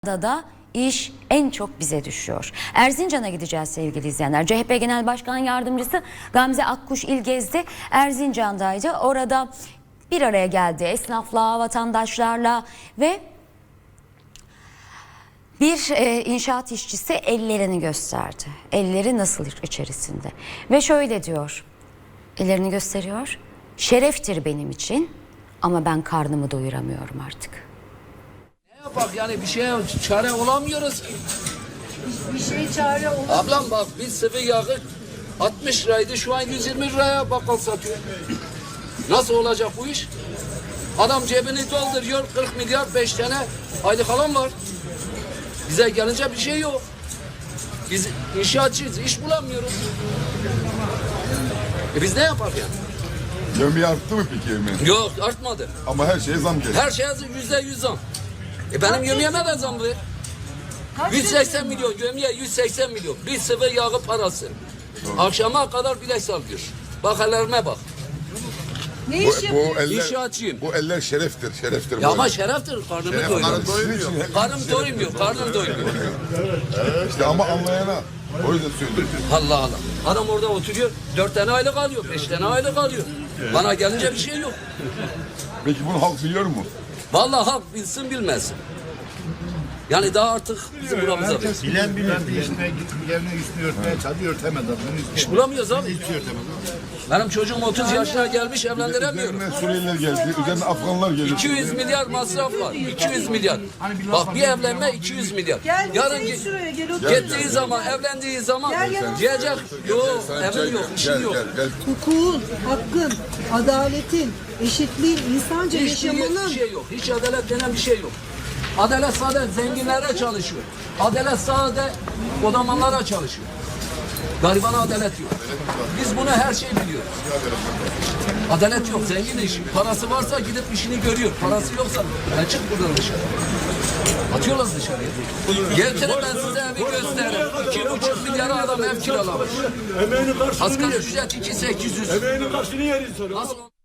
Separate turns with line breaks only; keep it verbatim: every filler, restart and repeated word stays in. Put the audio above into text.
Da da iş en çok bize düşüyor. Erzincan'a gideceğiz sevgili izleyenler. C H P Genel Başkan Yardımcısı Gamze Akkuş İlgezdi Erzincan'daydı. Orada bir araya geldi esnafla, vatandaşlarla ve bir e, inşaat işçisi ellerini gösterdi. Elleri nasıl içerisinde? Ve şöyle diyor. Ellerini gösteriyor. Şereftir benim için ama ben karnımı doyuramıyorum artık.
Bak yani bir şeye çare olamıyoruz ki.
Bir şey çare olur.
Ablam bak bir sıvı yağı altmış liraydı, şu an yüz yirmi liraya bakkal satıyor. Nasıl olacak bu iş? Adam cebini dolduruyor, kırk milyar beş tane aylık alan var. Bize gelince bir şey yok. Biz inşaatçıyız, iş bulamıyoruz. E biz ne yapak yani?
Gömleği arttı mı peki yemeğin?
Yok, artmadı.
Ama her şeye zam geliyor.
Her şeye yüzde yüz zam. E benim yemeğime de zam ver. yüz seksen milyon gömleğe yüz seksen milyon. Bir sıvı yağı parası. Doğru. Akşama kadar bilek sallıyor. Bak ellerime bak.
Ne
Bu,
iş
bu
yapıyorsun?
eller,
İnşaatçıyım.
bu eller şereftir, şereftir.
Ya
bu
ama
eller.
şereftir. Karnımı
Şeref,
doyuruyor.
karnım doymuyor.
Karnım doymuyor. Karnım doymuyor.
İşte ama anlayana. O yüzden söylüyorum.
Allah Allah. Adam orada oturuyor. Dört tane aylık alıyor. Beş tane aylık alıyor. Bana gelince bir şey yok.
Peki bunu halk biliyor mu?
Vallahi halk bilsin bilmesin. Yani daha artık bizim buramıza ver.
Bilen bilen değişmeye yerine üstünü örtmeye çalışıyor, örtemez adam.
İş bulamıyoruz abi.
Hiçbir şey örtemez.
Benim çocuğum otuz yaşına gelmiş, evlendiremiyorum.
Üzerine Suriyeliler geldi, üzerine Afganlar geldi.
iki yüz milyar masraf var. iki yüz milyar. Bak bir evlenme iki yüz milyar.
Gel
Yarın
Yarın
gi-
şuraya gel otur.
gittiği zaman, evlendiği zaman
Gel yanıma.
diyecek yok,
Sen çay
evim yok,
gel,
işim
gel,
yok.
gel, gel.
Hukukun, hakkın, adaletin, eşitliğin, insanca
Hiç
yaşamanın.
bir şey yok. Hiç adalet denen bir şey yok. Adalet sadece zenginlere çalışıyor. Adalet sadece odamanlara çalışıyor. Garibana adalet yok. Biz bunu her şeyi biliyoruz. Adalet yok. Zengin iş. Parası varsa gidip işini görüyor. Parası yoksa ben çık buradan dışarı. Atıyorlar dışarıya. Getirin ben size evi gösteririm. İki buçuk milyara adam ev kiralamış.
Emeğinin karşılığını
Asgari
yer.
ücret iki sekiz yüz.
Emeğinin karşılığını yer insanı.
Nasıl?